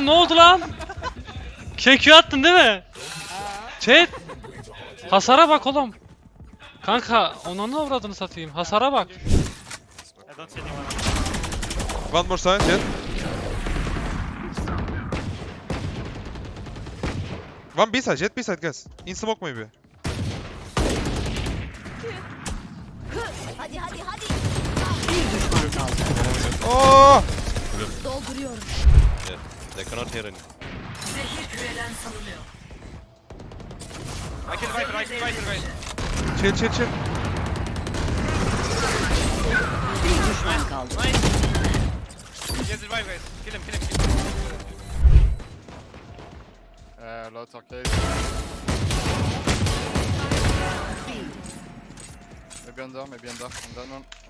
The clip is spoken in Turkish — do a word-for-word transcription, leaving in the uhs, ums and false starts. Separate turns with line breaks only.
Oğlum ne oldu lan? Kekü attın değil mi? Chat. Hasara bak oğlum. Kanka onu avradını satayım. Hasara bak.
I don't see anyone.
One more side, Jet. One B side, Jet B side, guys. In smoke maybe.
Hadi hadi hadi.
Bir düşman kaldı.
Oh!
Dolduruyorum.
Yeah, they cannot hear any.
Zehir küreden salınıyor.
I kill Viper, I kill Viper, guys.
Chill, chill, chill.
Bir düşman kaldı.
Nice. Get the revive, guys. Kill him, kill him, kill him.
Uh, low talk case. Maybe under, maybe under. On that one.